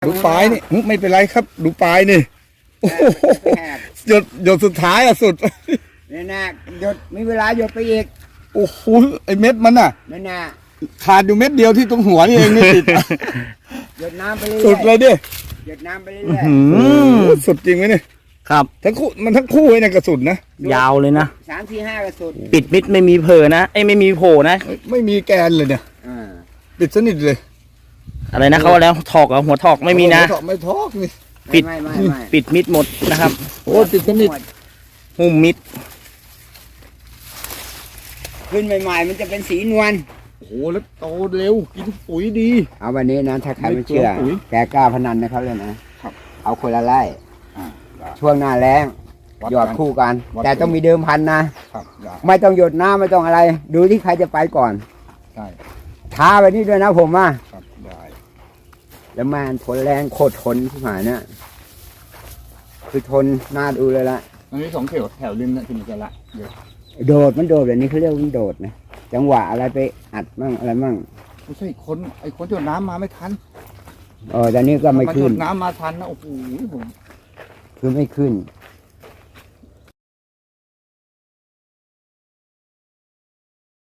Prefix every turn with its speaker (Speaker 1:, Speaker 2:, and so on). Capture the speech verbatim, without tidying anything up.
Speaker 1: ดูปลายนี่ไม่เป็นไรครับ ดูปลายนี่โอ้โหหยดหยดสุดท้ายอะสุด
Speaker 2: นี่นะหยดมีเวลาหยดไปอีก
Speaker 1: โอ้โหไอเม็ดมันอะ
Speaker 2: นี่นะ
Speaker 1: ขาดอยู่เม็ดเดียวที่ตรงหัวนี่เองไม่ติด
Speaker 2: หยดน้ำไปเรื่อยๆ
Speaker 1: สุดเลยดิ
Speaker 2: หยดน้ำไปเรื่อย
Speaker 1: โอ้โหสุดจริงไหมเนี่ย
Speaker 3: ครับ
Speaker 1: ทั้งคู่มันทั้งคู่เลยนะกระสุนนะ
Speaker 3: ยาวเลยนะ
Speaker 2: ๆสามสี่ห้ากระสุน
Speaker 3: ปิดมิดไม่มีเผลอนะไอ้ยไม่มีโผล่นะ
Speaker 1: ไม่ไม่มีแกนเลยเนี่ย
Speaker 2: อ่า
Speaker 1: ปิดสนิทเลย
Speaker 3: อะไรนะเขาว่าแล้วถอกเหรอหัวถอกไม่มีนะ
Speaker 1: ไม่ทอกไม่ทอกนี่
Speaker 3: ปิด
Speaker 2: ไม่ไม่ไม่
Speaker 3: ปิดมิดหมดนะครับ
Speaker 1: โอ้ปิดสนิท
Speaker 3: หุ้มมิด
Speaker 2: ขึ้นใหม่ๆมันจะเป็นสีนวล
Speaker 1: โอ้โหแล้วโตเร็วกินปุ๋ยดี
Speaker 2: เอาวันนี้นะถ้าใครไม่เชื่อ
Speaker 1: ไม่กลัวปุ๋ย
Speaker 2: แกกล้าพนันนะครับเลยนะครับ เอาคนละไร่
Speaker 1: อ่าได้
Speaker 2: ช่วงหน้าแล้ง
Speaker 1: วัด
Speaker 2: หยอด
Speaker 1: กัน
Speaker 2: คู่กัน
Speaker 1: วัด
Speaker 2: แต่ต้องมีเดิมพันนะครับ
Speaker 1: ได้
Speaker 2: ไม่ต้องหยดน้ำไม่ต้องอะไร ดูที่ใครจะไปก่อน
Speaker 1: ได้
Speaker 2: ท้าไปนี่ด้วยนะผมอ่ะ
Speaker 1: ครับได้
Speaker 2: แล้วมันทนแรงโคตรทนที่หายเนี่ยคือทนน่าดูเลยละ
Speaker 1: อันนี้สองแถวแถวริมนะที่มันจะละเดี๋ยว
Speaker 2: โดดมันโดดแบบนี้เขาเรียกว่ามันโดดนะจังหวะอะไรไปอัดมั่งอะไรมั่ง
Speaker 1: ไม่ใช่คนไอ้คนหยดน้ำมาไม่ทัน
Speaker 2: เออแต่นี่ก็ไม่
Speaker 1: มาหย
Speaker 2: ขึ้น
Speaker 1: ดน้ำมาทันนะโอ้โหผม
Speaker 2: คือไม่ขึ้น